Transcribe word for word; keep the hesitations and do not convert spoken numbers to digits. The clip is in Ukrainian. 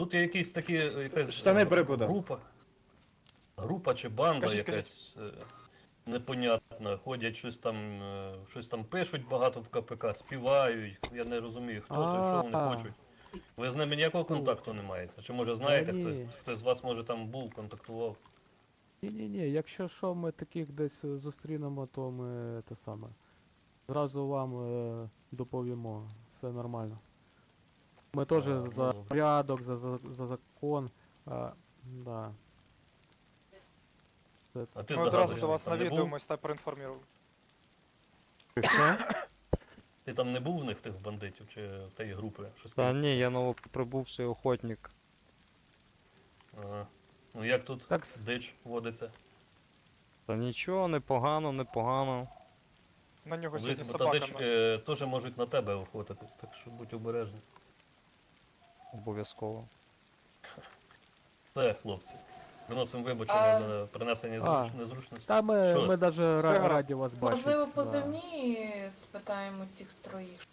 Тут є якісь такі, якась Штани е, перепутав. група. Група чи банда Кажіть, якась е, непонятна. Ходять, щось там, е, щось там пишуть багато в КПК, співають. Я не розумію, хто то і що вони А. хочуть. Ви з ними ніякого контакту не маєте? Чи може знаєте, ні. хтось, хтось з вас може там був, контактував? Ні-ні-ні, якщо що, ми таких десь е, зустрінемо, то ми те саме. Зразу вам е, доповімо, все нормально. Ми теж А, за ну. порядок, за, за, за закон. А, да. Це- А ти Ми одразу загадуєш, до вас там не був? навідуємось та проінформуємо. Що? Ти там не був в них тих бандитів чи в тієї групи? Щось Та там? ні, я новоприбувший охотник. Ага. Ну як тут Так, дич водиться? Та нічого, непогано, непогано. На нього Дивись, сьогодні бо та дич собака. е, теж можуть на тебе охотитись, так що будь обережний. Обов'язково. Все, хлопці. Виносимо А- вибачення за принесення А. зруч... незручності. Та ми, Що? ми навіть гаразд. раді вас бачити. Можливо, да. позивні спитаємо цих троїх.